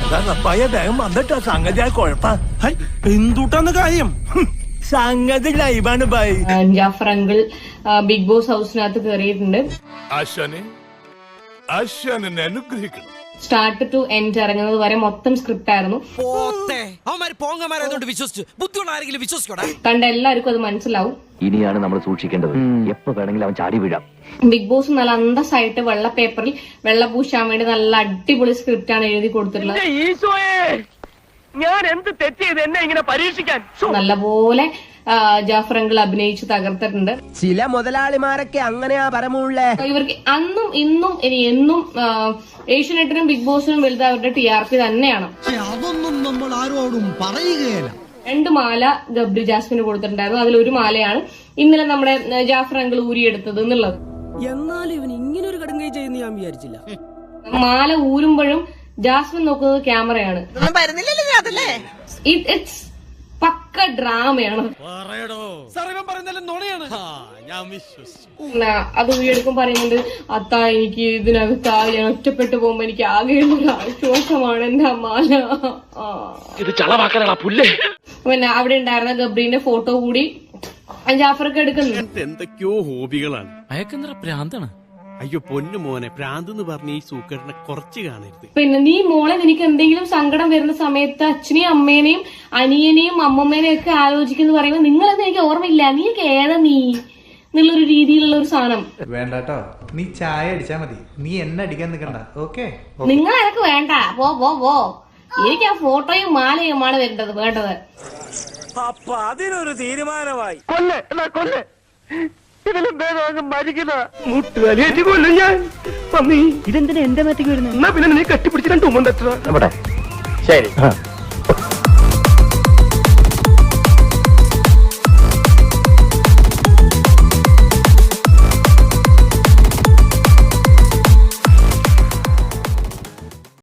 വേഗം വന്നിട്ടോ സംഗതി ആ കുഴപ്പ എന്തുട്ടാന്ന് കാര്യം സംഗതി ലൈവാണ് bye. Jafar uncle big boss ഹൗസിനകത്ത് കയറിയിട്ടുണ്ട്. അനുഗ്രഹിക്കണം. സ്റ്റാർട്ട് ടു എൻഡ് ഇറങ്ങുന്നത് വരെ മൊത്തം സ്ക്രിപ്റ്റ് ആയിരുന്നു. കണ്ട എല്ലാവർക്കും അത് മനസ്സിലാവും. ഇനിയാണ് നമ്മൾ സൂക്ഷിക്കേണ്ടത്. എപ്പോ വേണമെങ്കിലും അവൻ ചാടി വീഴാം. ബിഗ് ബോസ് നല്ല അന്തസ്സായിട്ട് വെള്ള പേപ്പറിൽ വെള്ള പൂശാൻ വേണ്ടി നല്ല അടിപൊളി സ്ക്രിപ്റ്റ് ആണ് എഴുതി കൊടുത്തിട്ടുള്ളത്. ഞാൻ എന്ത് തെറ്റിയത് എന്നെ ഇങ്ങനെ പരീക്ഷിക്കാൻ നല്ലപോലെ ജാഫർ അങ്കിൾ അഭിനയിച്ച് തകർത്തിട്ടുണ്ട്. ചില മുതലാളിമാരൊക്കെ അങ്ങനെയാ പരമുള്ളേ. ഇവർക്ക് അന്നും ഇന്നും ഇനി എന്നും ഏഷ്യനെറ്റിനും ബിഗ് ബോസിനും വലുത് അവരുടെ TRP തന്നെയാണ്. അതൊന്നും നമ്മൾ ആരോടും പറയുകയില്ല. 2 മാല ഗബ്രി ജാസ്മിന് കൊടുത്തിട്ടുണ്ടായിരുന്നു. അതിലൊരു മാലയാണ് ഇന്നലെ നമ്മുടെ ജാഫർ അങ്കിൾ ഊരിയെടുത്തത് എന്നുള്ളത്. എന്നാലും ഇവൻ ഇങ്ങനെ ഒരു കടുങ്കൈ ചെയ്യുന്ന ഞാൻ വിചാരിച്ചില്ല. മാല ഊരുമ്പോഴും ജാസ്മിൻ നോക്കുന്നത് ക്യാമറയാണ്. ഇറ്റ്സ് പക്ക ഡ്രാമയാണ്. അത് ഊരിയെടുക്കും പറയുന്നുണ്ട്, അത്താ എനിക്ക് ഇതിനകത്ത് ഞാൻ ഒറ്റപ്പെട്ടു പോകുമ്പോ എനിക്ക് ആകെയുള്ള ഒരു ആശ്വാസമാണ് എന്റെ മാല. പിന്നെ അവിടെ ഉണ്ടായിരുന്ന ഗബ്രീന്റെ ഫോട്ടോ കൂടി ജാഫർക്ക് എടുക്കുന്നുണ്ട്. എന്തൊക്കെയോ ഹോബികളാണ്. അയക്കെന്തറ പ്രാന്താണ്. അയ്യോ പൊന്നു മോനെ, പ്രാന്ത് എന്ന് പറഞ്ഞ ഈ സൂക്കറിനെ കുറച്ച് കാണരുത്. പിന്നെ നീ മോളെ നിനക്ക് എന്തെങ്കിലും സങ്കടം വരുന്ന സമയത്ത് അച്ഛനെയും അമ്മേനെയും അനിയനെയും അമ്മമ്മേനെയും ഒക്കെ ആലോചിക്കുന്നു പറയുമ്പോൾ നിങ്ങളെന്ന് എനിക്ക് ഓർമ്മയില്ല, നീക്ക് ഏതാ നീ എന്നുള്ളൊരു രീതിയിലുള്ള ഒരു സാധനം വേണ്ടട്ടോ. നീ ചായ അടിച്ചാ മതി, നീ എന്നെ അടിക്കാൻ നിൽക്കണ്ട. ഓക്കെ, നിങ്ങൾ എനക്ക് വേണ്ട. പോ എനിക്ക് ആ ഫോട്ടോയും മാലയുമാണ് വേണ്ടത്. അപ്പൊ അതിനൊരു തീരുമാനമായി. കൊല്ല് ഇതിലും ഭേദം മരിക്കുന്ന മുട്ടുകാലിയേറ്റ് കൊല്ലും ഞാൻ. ഇതെന്തിനാ എന്റെ മേത്തേക്ക് വരുന്നത്? എന്നാ പിന്നെ നീ കെട്ടിപ്പിടിച്ച് 2 ഉമ്മ തട്ട. ശരി.